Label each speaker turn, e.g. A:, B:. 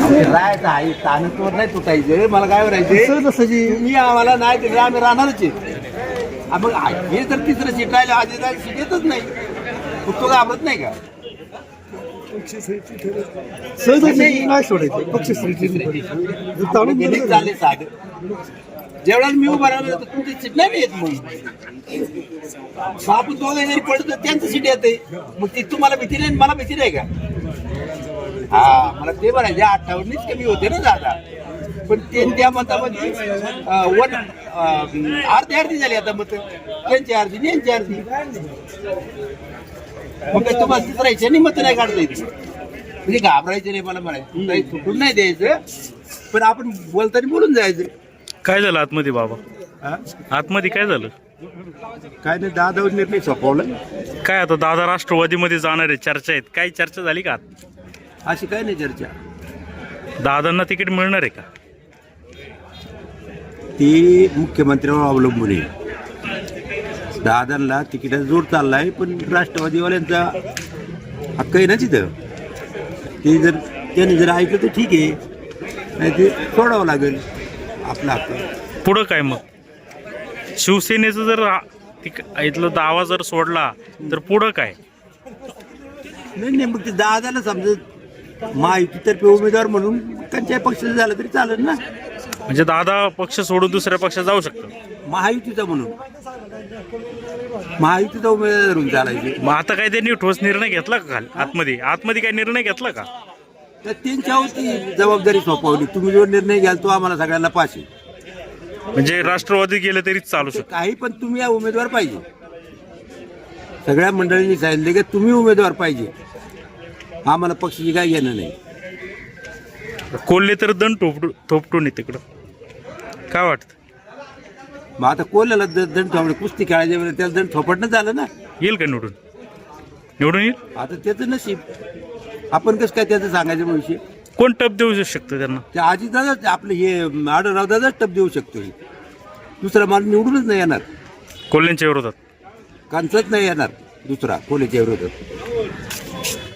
A: राहायचं आहे ताणतोर नाही तुटायचं. मला काय करायचे तुम्ही आम्हाला नाही दिलं आम्ही राहणारच आहे. मग हे जर तिसरं सीट राहिलं आधी जायला सीट येतच नाही. तो घाबरत नाही का? चालले साधं जेवढा मी उभा राहिलो तर तुमची सीट नाही येत. मग आपण दोघे जरी पडत तर त्यांचं सीट येते. मग ती तुम्हाला भीती नाही मला भीती नाही का? हा मला ते म्हणायचे 58 कमी होते ना दादा. पण त्या मतामध्ये अर्धी झाली आता मत. त्यांची अर्धी यांची अर्धी. मग काही तुम्हाला तिसरायचे नाही मत नाही काढता येते. म्हणजे घाबरायचं नाही. मला म्हणायचं काही चुकून नाही द्यायचं पण आपण बोलताना बोलून जायचं.
B: काय झालं आतमध्ये बाबा? आतमध्ये काय झालं?
A: काय नाही दादावर निर्णय सोपवला.
B: काय आता दादा राष्ट्रवादीमध्ये जाणार आहे चर्चा आहेत. काय चर्चा झाली का?
A: अशी काय नाही चर्चा.
B: दादांना तिकीट मिळणार आहे का?
A: ती मुख्यमंत्र्यावर अवलंबून आहे. दादांना तिकिटाचा जोर चाललाय पण राष्ट्रवादीवाल्यांचा हक्क आहे ना तिथं. ते जर त्याने जर ऐकलं तर ठीक आहे नाही ते सोडावं लागेल आपला हक्क.
B: पुढं काय मग? शिवसेनेचं जर इथलं दावा जर सोडला तर पुढं काय?
A: नाही मग ते दादाला समजत महायुतीतर्फे उमेदवार म्हणून त्यांच्या पक्षाचं झालं तरी चालेल ना.
B: म्हणजे दादा पक्ष सोडून दुसऱ्या पक्षात जाऊ शकतो.
A: महायुतीचा म्हणून महायुतीचा उमेदवार धरून चालायचे.
B: मग आता काय त्यांनी ठोस निर्णय घेतला का? आतमध्ये काय निर्णय घेतला का?
A: तर त्यांच्यावरती जबाबदारी सोपवली. तुम्ही जो निर्णय घ्याल तो आम्हाला सगळ्यांना पास आहे.
B: म्हणजे राष्ट्रवादी गेलं तरीच चालू शकतो
A: काही पण तुम्ही या उमेदवार पाहिजे. सगळ्या मंडळींनी सांगितले की तुम्ही उमेदवार पाहिजे. आम्हाला पक्षाची काय घेणं नाही.
B: कोल्हे तर दंड थोपटून आहे तिकडं. काय वाटतं?
A: मग आता कोल्याला दंड थोपडे कुस्ती खेळायच्या वेळेला त्याला दंड थोपटणं झालं ना.
B: येईल का निवडून येईल?
A: आता त्याचं नशीब. आपण कसं काय त्याचं सांगायचं विषय.
B: कोण टप देऊ शकतं त्यांना?
A: ते अजितदादाच आपलं हे आढळरावदादाच टप देऊ शकतो. दुसरा माणूस निवडूनच नाही येणार.
B: कोल्ह्यांच्या विरोधात
A: कांचच नाही येणार दुसरा कोल्याच्या विरोधात.